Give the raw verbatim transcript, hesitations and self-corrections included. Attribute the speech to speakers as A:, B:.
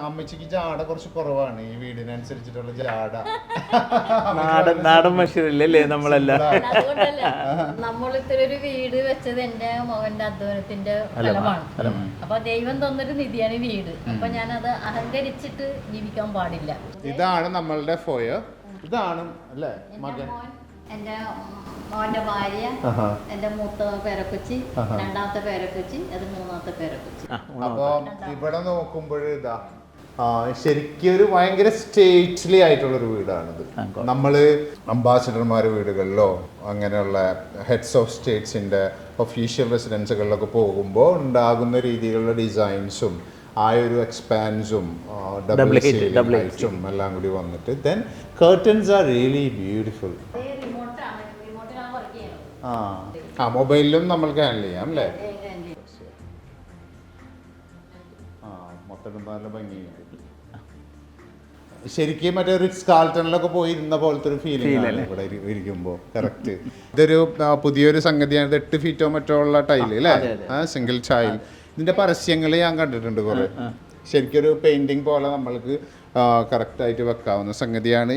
A: അമ്മച്ചിക്ക് ജാട കുറച്ച് കുറവാണ് ഈ വീടിനനുസരിച്ചിട്ടുള്ള ജാട.
B: നാടൻ നാടൻ മനുഷ്യരല്ലേ നമ്മളെല്ലാം.
C: അതുകൊണ്ടല്ല നമ്മളിത്ര ഒരു വീട് വെച്ചത് എന്റെ മകന്റെ അധ്വാനത്തിന്റെ ഫലമാണ്. അപ്പൊ ദൈവം തന്നൊരു നിധിയാണ് ഈ വീട്. അപ്പൊ ഞാനത് അഹങ്കരിച്ചിട്ട് ജീവിക്കാൻ പാടില്ല.
A: ഇതാണ് നമ്മളുടെ ഫോയർ. ഇതാണ് അല്ലേ മകൻ,
C: എന്റെ മോന്റെ ഭാര്യ, എന്റെ മൂത്ത പേരക്കൊച്ചി, രണ്ടാമത്തെ പേരക്കൊച്ചി, അത് മൂന്നാമത്തെ പേരക്കൊച്ചി.
A: അപ്പൊ ഇവിടെ നോക്കുമ്പോൾ ഇതാ ശരിക്കും ഒരു ഭയങ്കര സ്റ്റേറ്റ്ലി ആയിട്ടുള്ള ഒരു വീടാണിത്. നമ്മള് അംബാസിഡർമാരുടെ വീടുകളിലോ അങ്ങനെയുള്ള ഹെഡ്സ് ഓഫ് സ്റ്റേറ്റ്സിന്റെ ഒഫീഷ്യൽ റെസിഡൻസുകളിലൊക്കെ പോകുമ്പോൾ ഉണ്ടാകുന്ന രീതിയിലുള്ള ഡിസൈൻസും ആ ഒരു എക്സ്പാൻസും ഡബിളും എല്ലാം കൂടി വന്നിട്ട് then curtains are really beautiful. ആ ആ മൊബൈലിലും നമ്മൾക്ക് ഹാൻഡിൽ ചെയ്യാം അല്ലേ? ആ മൊത്തം നല്ല ഭംഗിയുണ്ട്. ശരിക്കും മറ്റേ റിച്ച് കാൾട്ടണിലൊക്കെ പോയി ഇരുന്ന പോലത്തെ ഒരു ഫീലിംഗ് ആണ് ഇവിടെ ഇരിക്കുമ്പോൾ. കറക്റ്റ്. ഇതൊരു പുതിയൊരു സംഗതിയാണ്. എട്ട് ഫീറ്റോ മറ്റോ ഉള്ള ടൈല് അല്ലേ? ആ സിംഗിൾ ടൈൽ. ഇതിന്റെ പരസ്യങ്ങൾ ഞാൻ കണ്ടിട്ടുണ്ട് കുറെ. ശരിക്കൊരു പെയിന്റിങ് പോലെ നമ്മൾക്ക് കറക്റ്റ് ആയിട്ട് വെക്കാവുന്ന സംഗതിയാണ്.